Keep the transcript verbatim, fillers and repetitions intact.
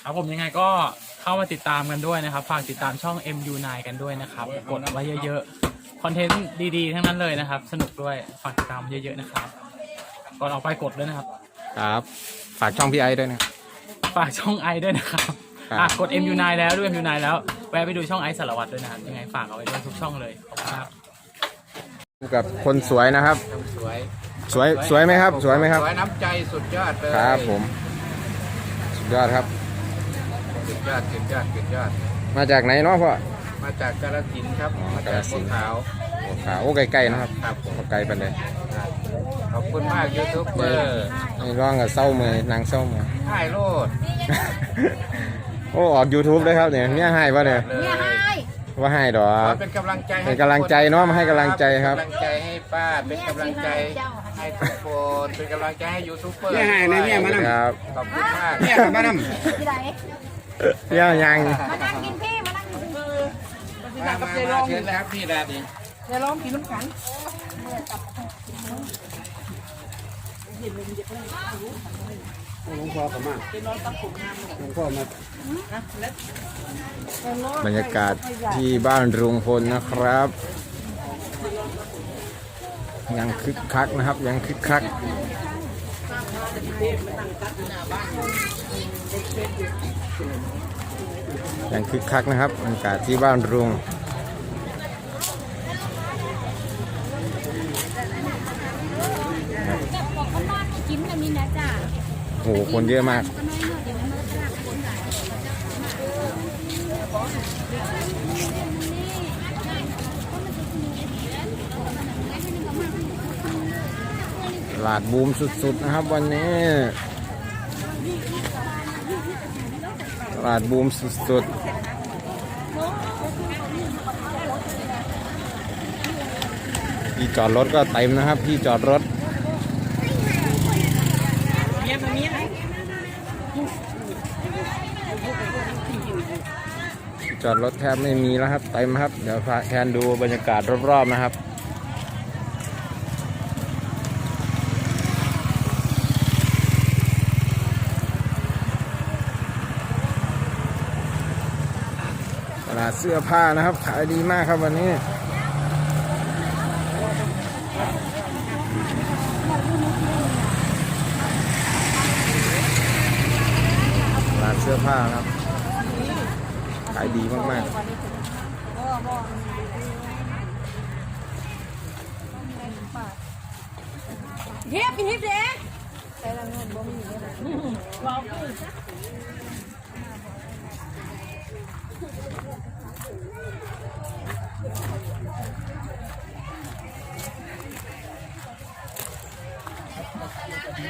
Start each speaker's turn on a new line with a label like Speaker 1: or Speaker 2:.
Speaker 1: ครับผมยังไงก็เข้ามาติดตามกันด้วยนะครับฝากติดตามช่อง เอ็ม ยู ไนน์ กันด้วยนะครับกดไว้เยอะๆคอนเทนต์ดีๆทั้งนั้นเลยนะครับสนุกด้วยฝากติดตามเยอะๆนะครับก่อนออกไปกดด้วยนะครับ
Speaker 2: ครับฝากช่องพี่ไอ้ด้วยนะ
Speaker 1: ฝากช่องไอด้วยนะครับอ่ะกด เอ็ม ยู ไนน์ แล้วด้วย เอ็ม ยู ไนน์ แล้วแวะไปดูช่องไอสารวัตรด้วยนะครับยังไงฝากเอาไว้ด้วยทุกช่องเลยขอบคุณครับ
Speaker 2: กับคนสวยนะครับ
Speaker 3: สวย
Speaker 2: สวยสวยไหมครับสวยไหมครับ
Speaker 3: สวยน้ำใจสุดยอดเลย
Speaker 2: ครับผมสุดยอดครับ
Speaker 3: สุดยอดสุดยอดสุดยอด
Speaker 2: มาจากไหนเนาะพ่อ
Speaker 3: มาจากกาฬสินธุ์ครับมาจากภูขาว
Speaker 2: ภูขาวโอ้ไกลๆนะครับ
Speaker 3: ครับผม
Speaker 2: ไกลไปเลย
Speaker 3: ขอบคุณมากยูทูบเบอร์
Speaker 2: นี่ร้องกับเศร้าเมย์นางเศร้าเมย์
Speaker 3: ให้โลด
Speaker 2: โอ้ออก YouTube เลยครับเนี่ยเนี่ยให้ป่ะเนี่ย
Speaker 4: เนี่ยให้
Speaker 2: ว่าให้ดอก
Speaker 3: เป็นกำลังใจ
Speaker 2: เป็นกำลังใจเนาะมาให้กำลังใจครับ
Speaker 3: กำลังใจให้ป้าเป็นกำลังใจให้ทุกคนเป็นกำลังใจให้ยูทูบเบอร์
Speaker 2: เนี่ยให้นะเนี่ยมานั่งครับ
Speaker 3: ขอบคุณมาก
Speaker 2: เนี่ยมานั่ง
Speaker 4: ที่ไหน
Speaker 2: เนี่ยยัง
Speaker 4: มานั่งกินพี่มานั่งกินพี่
Speaker 3: มามามาเชิญเลยครับพี่ดาดิ
Speaker 4: เดี๋ยวลองกินน้ำกัน
Speaker 2: หลวงพ่อเขามาหลวงพ่อมาบรรยากาศที่บ้านลุงพลนะครับยังคึกคักนะครับยังคึกคักยังคึกคักนะครับบรรยากาศที่บ้านลุง
Speaker 4: กินกันมีนะจ้า
Speaker 2: โอ้โหคนเยอะมากตลาดบูมสุดๆนะครับวันนี้ตลาดบูมสุดๆที่จอดรถก็เต็มนะครับที่จอดรถจอดรถแทบไม่มีแล้วครับเต็มครับเดี๋ยวพาแทนดูบรรยากาศรอบๆนะครับตลาดเสื้อผ้านะครับขายดีมากครับวันนี้ตลาดเสื้อผ้าครับขายดีมากๆ
Speaker 4: เทียบกินทิพย์เด็ก